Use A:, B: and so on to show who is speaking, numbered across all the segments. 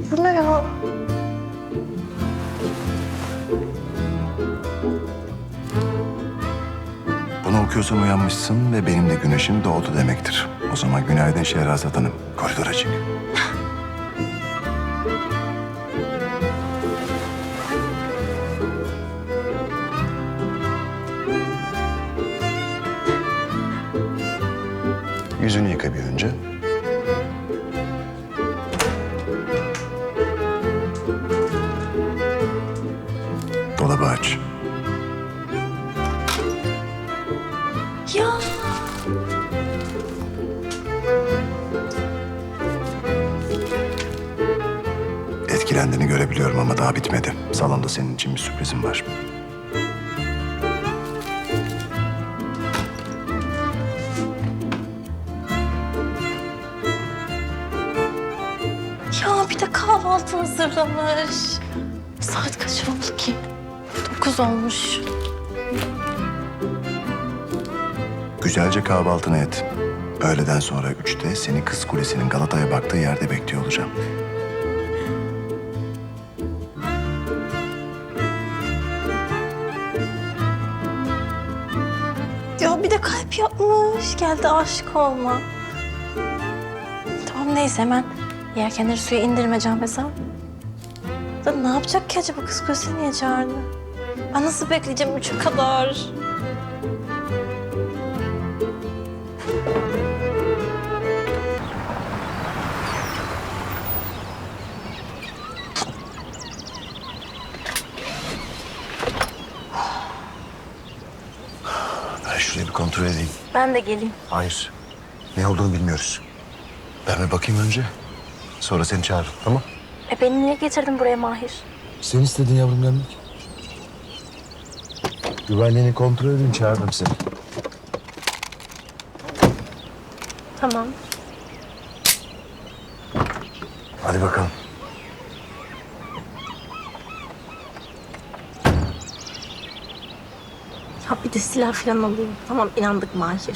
A: Bu ne ya?
B: Bunu okuyorsan uyanmışsın ve benim de güneşim doğdu demektir. O zaman günaydın Şehrazat Hanım. Koridora çık. Yüzünü yıka bir önce. Dolabı aç.
A: Ya
B: Etkilendiğini görebiliyorum ama daha bitmedi. Salonda senin için bir sürprizim var.
A: ya bir de kahvaltı hazırlamış. Saat kaç oldu ki? 9 olmuş.
B: Güzelce kahvaltını et. Öğleden sonra 3'te seni Kız Kulesi'nin Galata'ya baktığı yerde bekliyor olacağım.
A: Ya bir de kalp yapmış. Geldi aşık olma. Tamam neyse hemen yelkenleri suya indirmeyeceğim mesela. Da ne yapacak ki acaba? Kız kulesini niye çağırdı? Ben nasıl bekleyeceğim 3'e kadar?
B: Ben şurayı bir kontrol edeyim.
A: Ben de geleyim.
B: Hayır. Ne olduğunu bilmiyoruz. Ben bir bakayım önce. Sonra seni çağırırım, tamam?
A: Beni niye getirdin buraya Mahir?
B: Sen istedin yavrum gelmek. Güvenliğini kontrol edin, çağırdım seni.
A: Tamam.
B: Hadi bakalım.
A: Ha bir de silah falan alayım. Tamam inandık Mahir.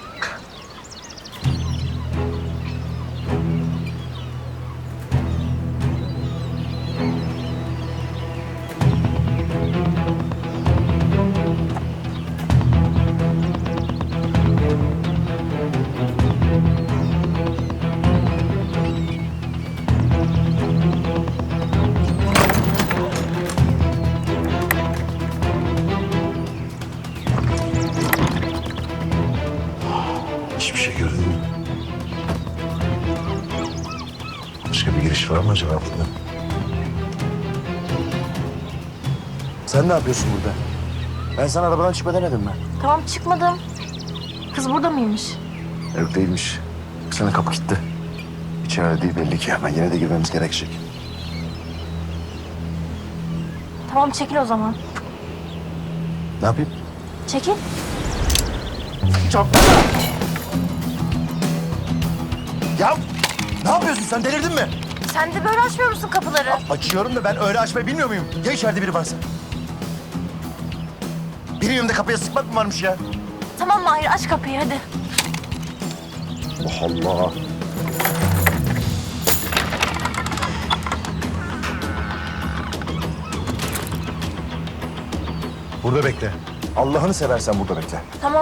B: Hiçbir şey görünmüyor. Başka bir giriş var mı acaba burada? Sen ne yapıyorsun burada? Ben sana arabadan çıkma demedim mi?
A: Tamam çıkmadım. Kız burada mıymış?
B: Yok değilmiş. Sana kapı kilitli. İçeride değil belli ki ama yine de girmemiz gerekecek.
A: Tamam çekil o zaman.
B: Ne yapayım?
A: Çekil.
B: Çarpma! Ya ne yapıyorsun sen delirdin mi?
A: Sen de böyle açmıyor musun kapıları?
B: Açıyorum da ben öyle açmayı bilmiyor muyum? Ya içeride biri varsa? Benim yanımda kapıya sıkmak mı varmış ya?
A: Tamam Mahir aç kapıyı hadi.
B: Allah Allah. Burada bekle. Allah'ını seversen burada bekle.
A: Tamam.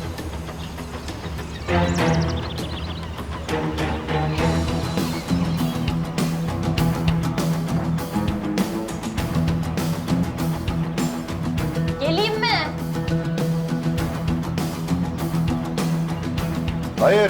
A: Geleyim mi?
B: Hayır.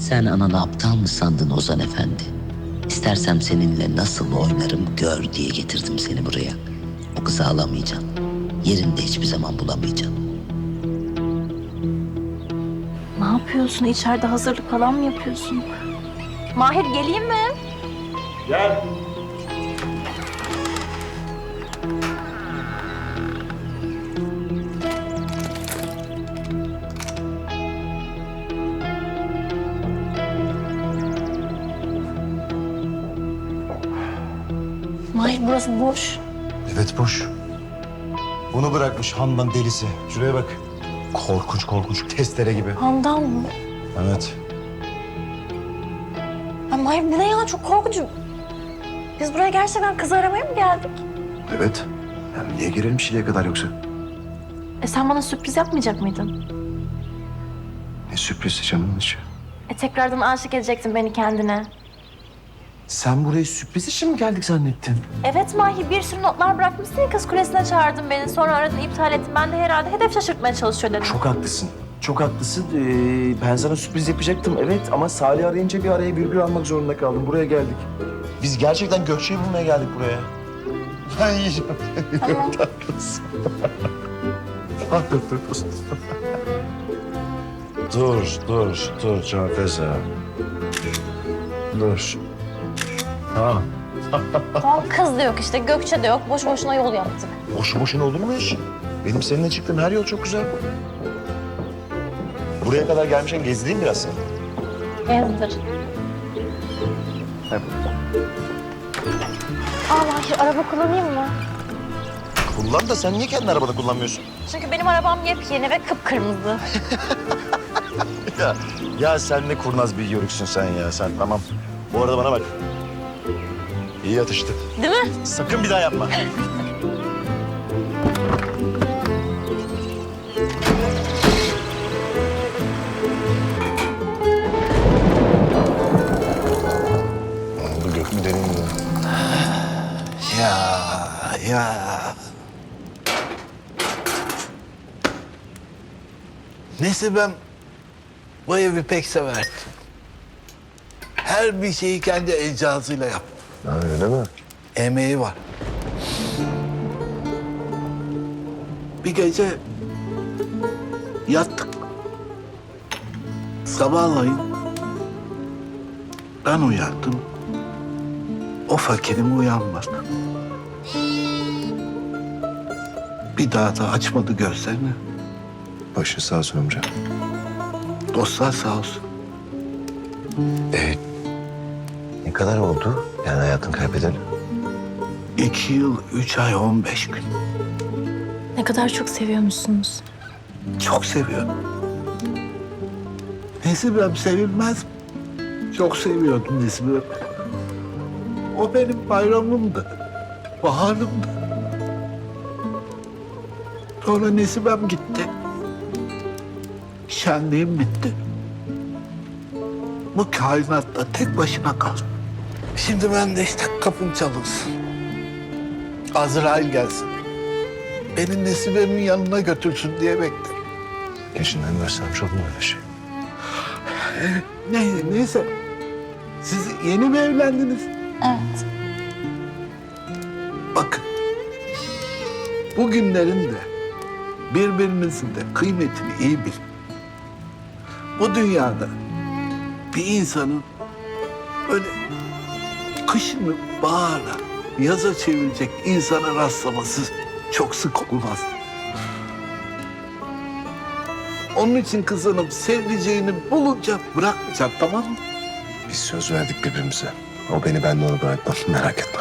C: Sen ananı aptal mı sandın Ozan Efendi? İstersem seninle nasıl oynarım gör diye getirdim seni buraya. O kızı alamayacaksın. Yerinde hiçbir zaman bulamayacaksın.
A: Ne yapıyorsun? İçeride hazırlık falan mı yapıyorsun? Mahir geleyim mi?
B: Gel.
A: Mahir burası boş.
B: Evet boş. Bunu bırakmış Handan delisi. Şuraya bak. Korkunç korkunç testere gibi.
A: Handan mı?
B: Evet.
A: Ay Mahir bu ne ya? Çok korkunç. Biz buraya gerçekten kız aramaya mı geldik?
B: Evet. Yani niye girelim şimdiye kadar yoksa?
A: Sen bana sürpriz yapmayacak mıydın?
B: Ne sürpriz canımın içi.
A: Tekrardan aşık edecektin beni kendine.
B: Sen buraya sürpriz için mi geldik zannettin?
A: Evet Mahir, bir sürü notlar bırakmışsın ya, kız kulesine çağırdın beni. Sonra aradın, iptal ettin. Ben de herhalde hedef şaşırtmaya çalışıyor dedim.
D: Çok haklısın. Çok haklısın. Ben sana sürpriz yapacaktım evet ama Salih arayınca bir araya virgül almak zorunda kaldım. Buraya geldik. Biz gerçekten Gökçe'yi bulmaya geldik buraya. Ben yiyeceğim.
A: Tamam.
D: Haklısın. Haklısın. Dur Canfeza. Dur. Ha.
A: Tamam, kız da yok işte, Gökçe de yok. Boş boşuna yol yaptık.
D: Boşu boşuna olur mu iş? Benim seninle çıktığım her yol çok güzel. Buraya kadar gelmişken gezdireyim biraz seni.
A: Gezdir.
D: Hep.
A: Mahir, araba kullanayım mı?
D: Kullan da sen niye kendi arabada kullanmıyorsun?
A: Çünkü benim arabam yepyeni ve kıpkırmızı.
D: Ya sen ne kurnaz bir yörüksün sen ya sen tamam. Bu arada bana bak. İyi atıştı.
A: Değil mi?
D: Sakın bir daha yapma.
B: Bu gök mü derin mi?
E: Ya. Neyse ben bu evi pek severdim. Her bir şeyi kendi el cihazıyla yaptı.
B: Ha, öyle mi?
E: Emeği var. Bir gece yattık. Sabahleyin ben uyandım. O fakirim uyanmadı. Bir daha da açmadı gözlerini.
B: Başı sağ olsun amca.
E: Dostlar sağ olsun.
B: Ne kadar oldu yani hayatını kaybedeli?
E: 2 yıl, 3 ay, 15 gün.
A: Ne kadar çok seviyormuşsunuz.
E: Çok seviyorum. Nesibem sevilmez mi? Çok seviyordum Nesibem. O benim bayramımdı. Baharımdı. Sonra Nesibem gitti. Şenliğim bitti. Bu kainatta tek başına kaldım. Şimdi ben de işte kapım çalınsın. Azrail gelsin. Beni Nesibem'in yanına götürsün diye beklerim.
B: Yaşından versem çok mu öyle şey?
E: Neyse. Siz yeni mi evlendiniz?
A: Evet.
E: Bakın. Bugünlerin de birbirinizin de kıymetini iyi bilin. Bu dünyada bir insanın böyle kışını bahara, yaza çevirecek insana rastlaması çok sık olmaz. Onun için kızınım sevdiceğini bulunca bırakmayacak, tamam mı?
B: Biz söz verdik birbirimize. O beni, ben de onu bırakmam. Merak etme.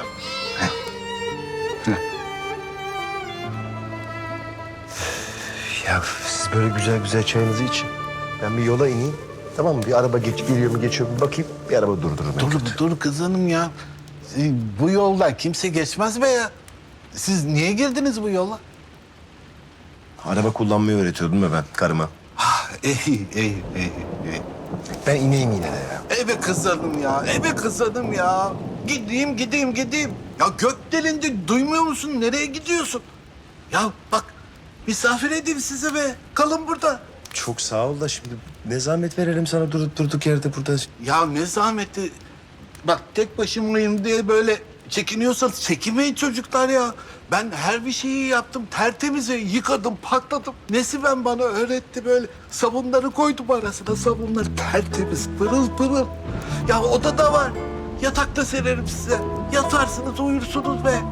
D: Ya siz böyle güzel güzel çayınızı için. Ben bir yola ineyim. Tamam mı? Bir araba geliyor mu geçiyor mu bakayım. Bir araba durdururum.
E: Dur kızanım ya. Bu yoldan kimse geçmez be ya. Siz niye girdiniz bu yola?
B: Araba kullanmayı öğretiyordum ya ben karıma.
E: İyi.
B: Ben ineyim yine de ya.
E: Ebe kızanım ya, ebe kızanım ya. Gideyim. Ya gök delindi, duymuyor musun? Nereye gidiyorsun? Ya bak, misafir edeyim sizi be. Kalın burada.
D: çok sağ ol da şimdi ne zahmet verelim sana durup durduk yerde burada.
E: Ya ne zahmeti. Bak tek başımayım diye böyle çekiniyorsanız çekinmeyin çocuklar ya. Ben her bir şeyi yaptım. Tertemiz yıkadım, pakladım. Nesiben bana öğretti böyle. Sabunları koydum arasına. Sabunlar tertemiz, pırıl pırıl. Ya odada var. Yatakta sererim size. Yatarsınız, uyursunuz be.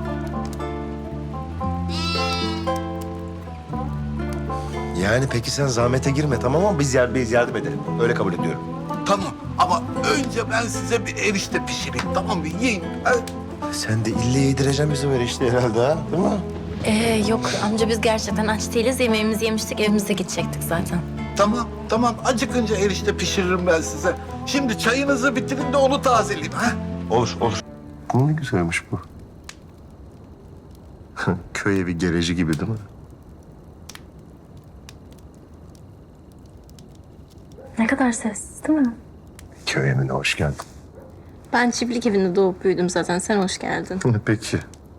D: Yani peki sen zahmete girme tamam ama biz yardım edelim. Öyle kabul ediyorum.
E: Tamam ama önce ben size bir erişte pişireyim. Tamam mı? Yiyin.
D: Sen de ille yedireceksin bizi böyle işte herhalde ha, değil mi?
A: Yok amca biz gerçekten aç değiliz. Yemeğimizi yemiştik, evimize gidecektik zaten.
E: Tamam, tamam. Acıkınca erişte pişiririm ben size. Şimdi çayınızı bitirin de onu tazeleyeyim. Ha?
D: Olur. Ne güzelmiş bu. Köy evi gereci gibi değil mi?
A: Ne kadar sessiz değil mi?
B: Köy evine hoş geldin.
A: Ben çiftlik evinde doğup büyüdüm zaten. Sen hoş geldin.
B: Peki.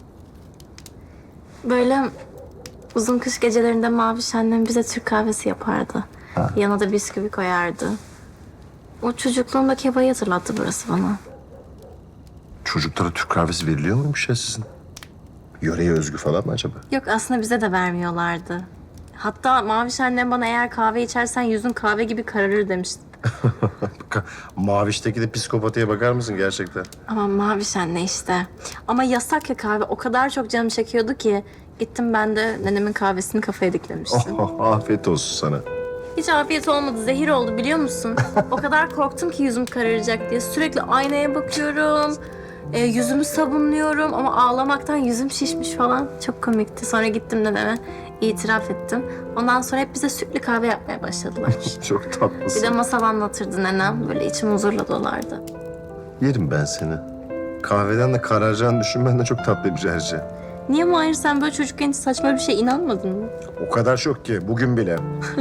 A: Böyle uzun kış gecelerinde Maviş annem bize Türk kahvesi yapardı. Yanına da bisküvi koyardı. O çocukluğumdaki havayı hatırlattı burası bana.
B: Çocuklara Türk kahvesi veriliyor muymuş ya sizin? Yöreye özgü falan mı acaba?
A: Yok aslında bize de vermiyorlardı. Hatta Maviş annem bana eğer kahve içersen yüzün kahve gibi kararır demişti.
B: Maviş'teki de psikopatiye bakar mısın gerçekten?
A: Ama Maviş anne işte. Ama yasak ya kahve. O kadar çok canım çekiyordu ki. Gittim ben de nenemin kahvesini kafaya diklemiştim.
B: Afiyet olsun sana.
A: Hiç afiyet olmadı. Zehir oldu biliyor musun? O kadar korktum ki yüzüm kararacak diye. Sürekli aynaya bakıyorum. Yüzümü sabunluyorum ama ağlamaktan yüzüm şişmiş falan. Çok komikti. Sonra gittim dedeme itiraf ettim. Ondan sonra hep bize sütlü kahve yapmaya başladılar.
B: Çok
A: Bir
B: tatlısın.
A: de masal anlatırdı nenem. Böyle içim huzurla dolardı.
B: Yerim ben seni. Kahveden de kararacağını düşünmen de çok tatlıymış ayrıca.
A: Niye Mahir sen böyle çocukken hiç saçma bir şey inanmadın mı?
B: O kadar şok ki bugün bile.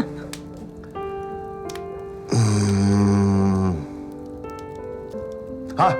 B: Ha,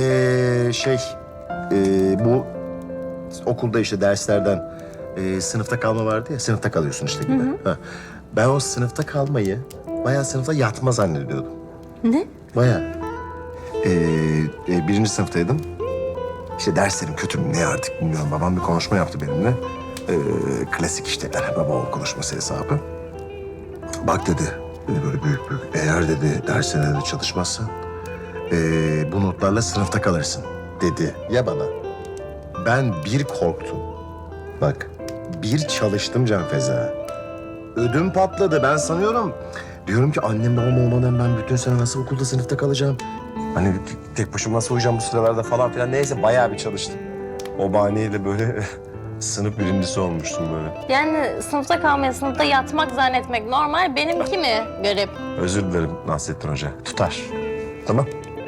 B: bu okulda işte derslerden sınıfta kalma vardı ya, sınıfta kalıyorsun işte gibi. Ha. Ben o sınıfta kalmayı bayağı sınıfta yatma zannediyordum.
A: Ne?
B: Bayağı. Birinci sınıftaydım. İşte derslerim kötü mü ne artık bilmiyorum. Babam bir konuşma yaptı benimle. Klasik işte baba oğul konuşması hesabı. Bak dedi böyle büyük. Eğer dedi derslerde çalışmazsan bu notlarla sınıfta kalırsın dedi ya bana. Ben bir korktum. Bak bir çalıştım Can Feza. Ödüm patladı ben sanıyorum. Diyorum ki annem babam olmadan ben bütün sene nasıl okulda sınıfta kalacağım? Hani tek başıma nasıl uyuyacağım bu sıralarda falan filan. Neyse bayağı bir çalıştım. O bahaneyle böyle sınıf birincisi olmuştum böyle.
A: Yani sınıfta kalmaya, sınıfta yatmak zannetmek normal. Benimki mi garip?
B: Özür dilerim Nasrettin Hoca. Tutar. Tamam.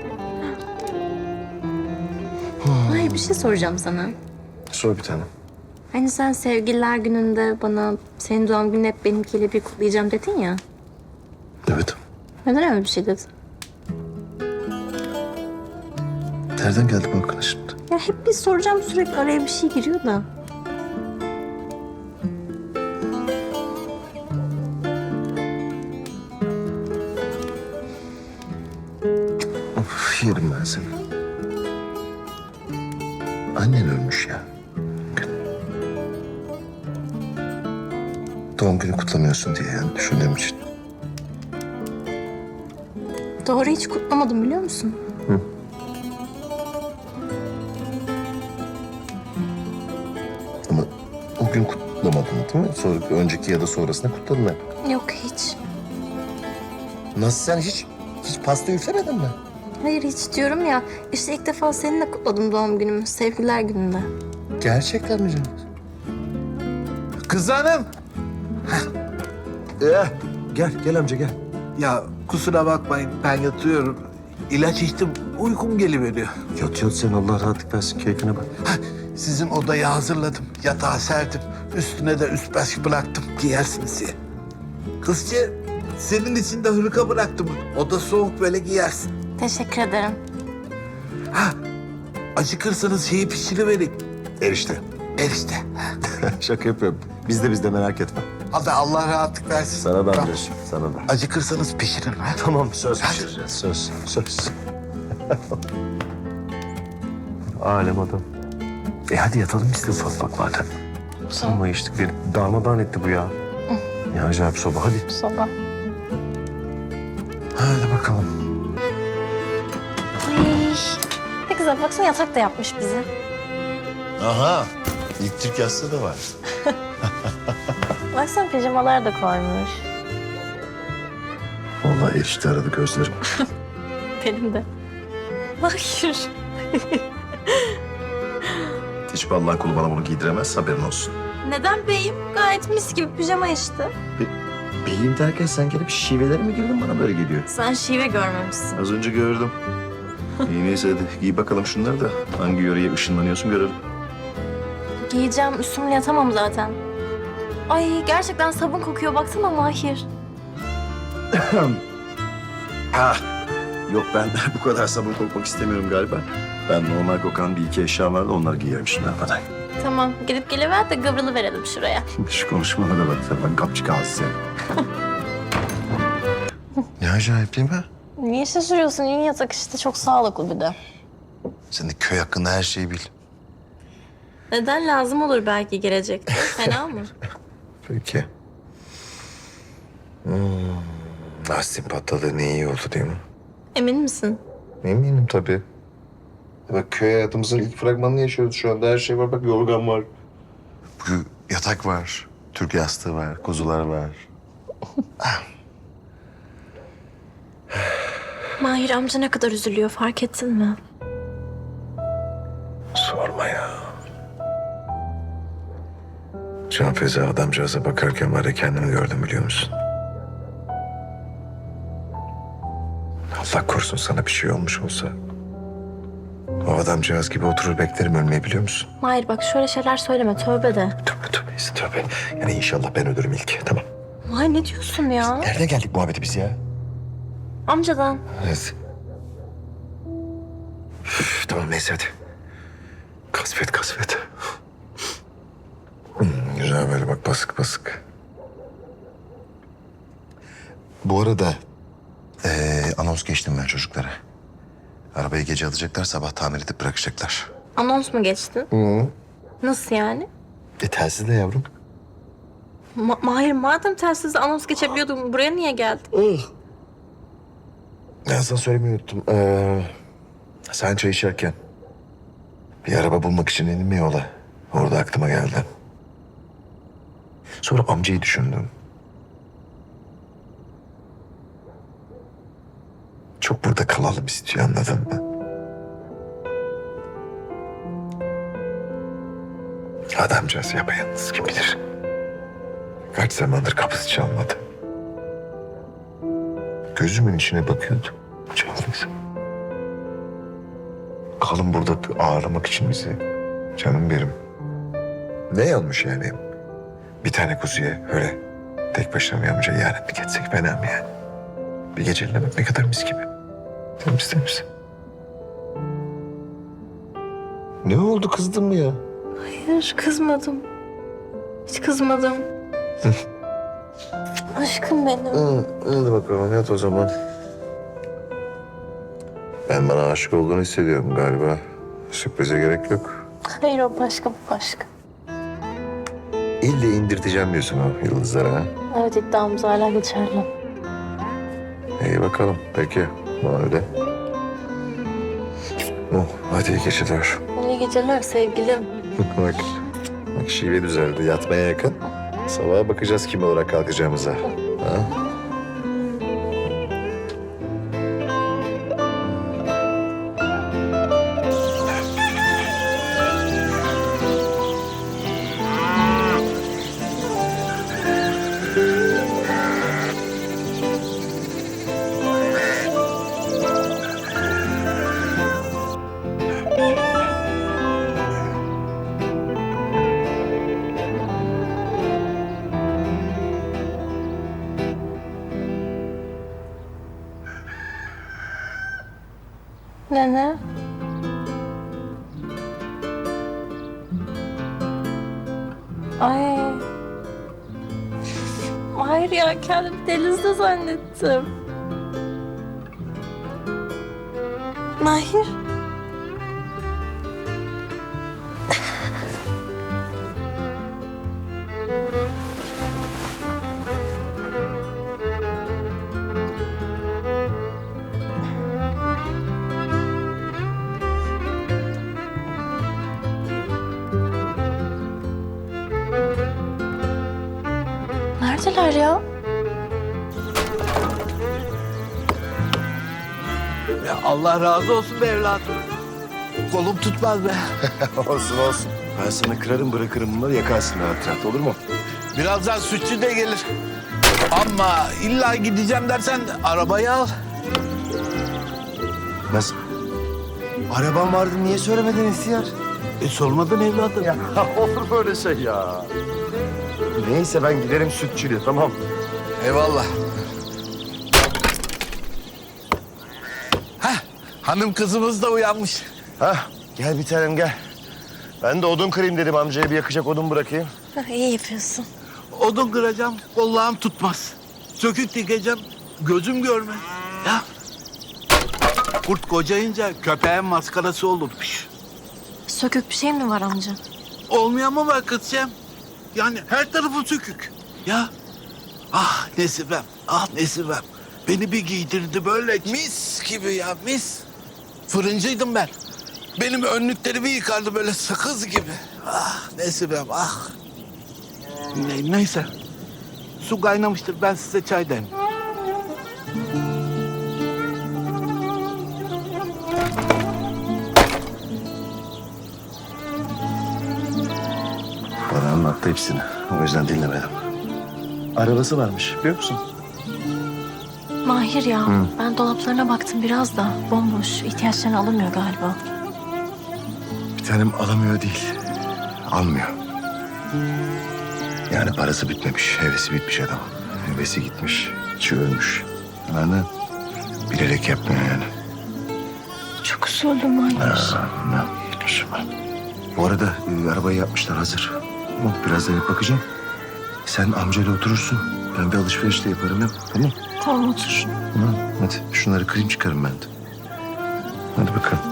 A: Hayır bir şey soracağım sana.
B: Sor bir tane.
A: Hani sen sevgililer gününde bana senin doğum gününü hep benimkiyle bir kutlayacağım dedin ya.
B: Evet.
A: Neden öyle bir şey dedin?
B: Nereden geldi bu aklına şimdi?
A: Ya hep bir soracağım sürekli araya bir şey giriyor da.
B: Of, yerim ben seni. Annen ölmüş ya. Doğum günü kutlamıyorsun diye yani düşündüğüm için.
A: Doğru hiç kutlamadım biliyor musun?
B: Ama o gün kutlamadın değil mi? Sonra, önceki ya da sonrasında kutladın hep.
A: Yok hiç.
B: Nasıl sen hiç pasta üflemedin mi?
A: Hayır hiç diyorum ya. İşte ilk defa seninle kutladım doğum günümü. Sevgililer gününde.
B: Gerçekten mi canım?
E: Kız hanım.
B: Gel amca gel.
E: Ya kusura bakmayın ben yatıyorum. İlaç içtim uykum geliveriyor.
B: Yat sen Allah rahatlık versin keyfine bak.
E: Sizin odayı hazırladım. Yatağı serdim. Üstüne de üst baş bıraktım. Giyersiniz diye. Kızcı senin için de hırka bıraktım. Oda soğuk böyle giyersin.
A: Teşekkür ederim.
E: Acıkırsanız şeyi pişirivereyim.
B: Erişte.
E: Erişte.
B: Şaka yapıyorum. Biz de merak etme.
E: Hadi Allah rahatlık versin.
D: Sana da
E: Tamam.
D: amcacığım, sana da.
E: Acıkırsanız pişirin ha.
D: Tamam, söz pişireceğiz, söz. Alem adam. Hadi yatalım biz de ufak ufak zaten. Ama içtik beni darmadağın etti bu ya. Ya acayip soba, hadi.
A: Sabah.
D: Hadi bakalım.
A: Ay. Ne güzel baksana yatak da yapmış bize.
F: Aha. İlk Türk yastığı da var.
A: Baksana pijamalar da koymuş.
D: Vallahi erişte aradı gözlerim.
A: Benim de. Hayır.
D: Hiçbir Allah'ın kulu bana bunu giydiremez, haberin olsun.
A: Neden beyim? Gayet mis gibi pijama işte.
D: Beyim derken sen gelip şivelere mi girdin, bana böyle geliyor?
A: Sen şive görmemişsin.
D: Az önce gördüm. İyi neyse hadi giy bakalım şunları da hangi yöreye ışınlanıyorsun görelim.
A: Giyeceğim üstümle yatamam zaten. Ay gerçekten sabun kokuyor baksana Mahir.
D: Ha. Yok ben bu kadar sabun kokmak istemiyorum galiba. Ben normal kokan bir iki eşya vardı, onları giyerim şimdi hadi.
A: Tamam gidip geliver de gıvrılı verelim şuraya.
D: Şu konuşmalara bak sen, ben kapçık ağzı seni.
F: Ne acayip değil mi?
A: Niye şaşırıyorsun? Yün yatak işte çok sağlıklı bir de.
F: Sen de köy hakkında her şeyi bil.
A: Neden lazım olur belki gelecekte? Fena mı?
F: Peki. Lastiğin patladı ne iyi oldu değil mi?
A: Emin misin?
F: Eminim tabii. Bak köy hayatımızın ilk fragmanını yaşıyoruz şu anda. Her şey var. Bak yorgan var. Bu yatak var. Türk yastığı var. Kuzular var.
A: Mahir amca ne kadar üzülüyor fark ettin mi?
F: Sorma ya. Can Feza adamcağıza bakarken var ya kendimi gördüm biliyor musun? Allah korusun sana bir şey olmuş olsa. O adamcağız gibi oturur beklerim ölmeyi biliyor musun?
A: Mahir bak şöyle şeyler söyleme tövbe de.
F: Tövbe. Yani inşallah ben ölürüm ilk. Tamam.
A: Mahir ne diyorsun ya?
F: Nereden geldik muhabbeti biz ya?
A: Amcadan.
F: Evet. Üf, tamam neyse hadi. Kasvet. Güzel böyle bak basık. Bu arada anons geçtim ben çocuklara. Arabayı gece alacaklar, sabah tamir edip bırakacaklar.
A: Anons mu geçtin? Nasıl yani?
F: Telsizle yavrum.
A: Mahir madem telsizle anons geçebiliyordun buraya niye geldin?
F: Ben sana söylemeyi unuttum. Sen çay içerken bir araba bulmak için indim yola. Orada aklıma geldi. Sonra amcayı düşündüm. Çok burada kalalım istiyor anladın mı? Adamcağız yapayalnız kim bilir. Kaç zamandır kapısı çalmadı. Gözümün içine bakıyordu. Cengiz. Kalın burada ağırlamak için bizi. Canım benim. Ne yanmış yani? Bir tane kuzuya öyle tek başına mı amca ihanetlik etsek fena mı yani? Bir geceliğine bak ne kadar mis gibi. Temiz. Ne oldu kızdın mı ya?
A: Hayır kızmadım. Hiç kızmadım. Aşkım benim.
F: Hadi bakalım yat o zaman. Ben bana aşık olduğunu hissediyorum galiba. Sürprize gerek yok.
A: Hayır o başka bu başka.
F: İlle indirteceğim diyorsun o yıldızlara ha?
A: Evet iddiamız hala geçerli.
F: İyi bakalım peki. Öyle. Oh, hadi iyi geceler.
A: İyi geceler sevgilim.
F: Bak şive düzeldi. Yatmaya yakın. Sabaha bakacağız kim olarak kalkacağımıza. Ha?
A: Nene. Ay. Mahir ya, kendimi denizde zannettim. Mahir. Neredeler ya?
E: Ya Allah razı olsun be evladım. Kolum tutmaz be.
B: olsun olsun. Ben sana kırarım bırakırım bunları yakarsın rahat rahat olur mu?
E: Birazdan sütçü de gelir. Ama illa gideceğim dersen arabayı al.
B: Nasıl? Araban vardı niye söylemedin ihtiyar?
E: Sormadın evladım.
B: Ya olur böyle şey ya. Neyse ben giderim sütçülüğe tamam.
E: Eyvallah. Heh, hanım kızımız da uyanmış.
B: Hah gel bir tanem gel. Ben de odun kırayım dedim amcaya bir yakacak odun bırakayım.
A: İyi yapıyorsun.
E: Odun kıracağım, kollağım tutmaz. Sökük dikeceğim, gözüm görmez. Ya kurt kocayınca köpeğin maskarası olurmuş.
A: Sökük bir şey mi var amca?
E: Olmayan mı var kızcağım? Yani her tarafı sökük. Ya ah Nesibem, ah Nesibem. Beni bir giydirdi böyle mis gibi ya mis. Fırıncıydım ben. Benim önlüklerimi yıkardı böyle sakız gibi. Ah Nesibem ah. Neyse. Su kaynamıştır ben size çay demleyeyim.
B: Bana anlattı hepsini. O yüzden dinlemedim. Arabası varmış biliyor musun?
A: Mahir ya, ben dolaplarına baktım biraz da. Bomboş, ihtiyaçlarını alamıyor galiba.
B: Bir tanem alamıyor değil. Almıyor. Yani parası bitmemiş, hevesi bitmiş adam. Hevesi gitmiş, içi ölmüş. Yani bilerek yapmıyor yani.
A: Çok usullü Mahir.
B: Ne? Bu arada arabayı yapmışlar hazır. Tamam, biraz da bakacağım. Sen amcayla oturursun. Ben bir alışveriş de yaparım hep. Tamam.
A: Tamam otur.
B: Tamam. Hadi şunları kırayım çıkarım ben de. Hadi bakalım.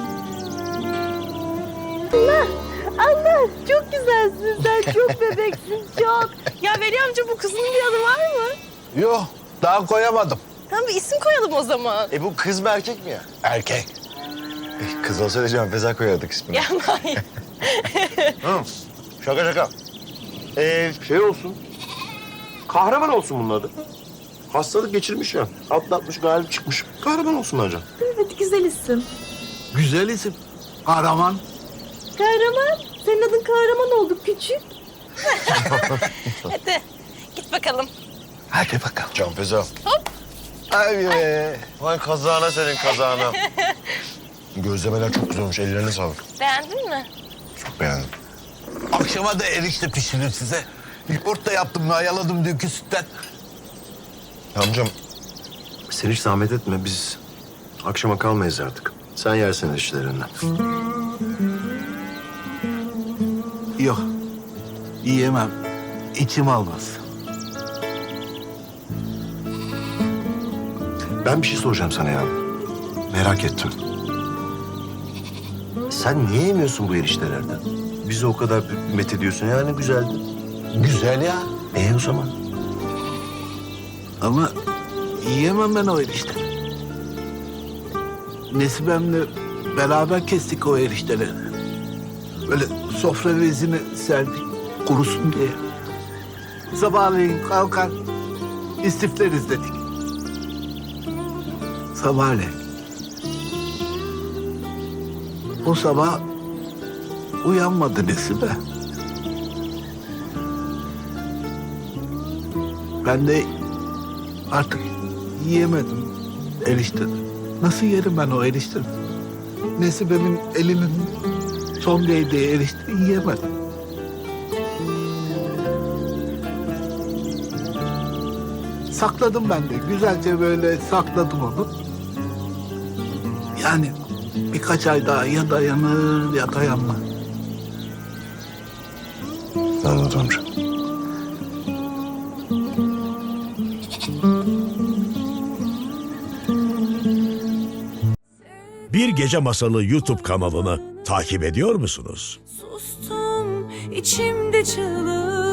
A: Anne çok güzelsin sen, çok bebeksin çok. Ya Veli amca bu kızın bir adı var mı?
E: Yok daha koyamadım.
A: Tamam bir isim koyalım o zaman.
B: Bu kız mı erkek mi ya?
E: Erkek.
B: Kız olsaydı Can Feza koyardık ismini.
A: Ya Mahir.
B: Şaka şaka. Şey olsun. Kahraman olsun bunun adı. Hastalık geçirmiş ya. Atlatmış, galip çıkmış. Kahraman olsun hocam.
A: Hadi güzel isim.
E: Güzel isim. Kahraman.
A: Kahraman. Senin adın kahraman oldu küçük. Hadi git bakalım.
E: Hadi bakalım.
B: Can Feza. Hop. Ay be. Vay kazağına senin kazağına. Gözlemeler çok güzel olmuş. Ellerine sağlık.
A: Beğendin mi?
B: Çok beğendim.
E: Akşama da erişte pişirir size. Yumurta yaptım, mayaladım dünkü sütten.
B: Amcam sen hiç zahmet etme. Biz akşama kalmayız artık. Sen yersin işlerinden.
E: Yok, yiyemem. İçim almaz.
B: Ben bir şey soracağım sana ya. Merak ettim. Sen niye yemiyorsun bu eriştelerden? Bizi o kadar met ediyorsun ya ne güzeldi.
E: Güzel ya.
B: O zaman?
E: Ama yiyemem ben o erişteleri. Nesibem'le beraber kestik o erişteleri. Böyle sofra bezini serdik kurusun diye. Sabahleyin kalkar istifleriz dedik. Sabahleyin. O sabah uyanmadı Nesibe. Ben de artık yiyemedim erişteni. Nasıl yerim ben o erişteni? Nesibe'min elinin son değdiği erişteni yiyemedim. Sakladım ben de. Güzelce böyle sakladım onu. Yani birkaç ay daha ya dayanır ya dayanmaz.
B: Anladım amca.
G: Bir Gece Masalı YouTube kanalını takip ediyor musunuz?
H: Sustum içimde çığlık.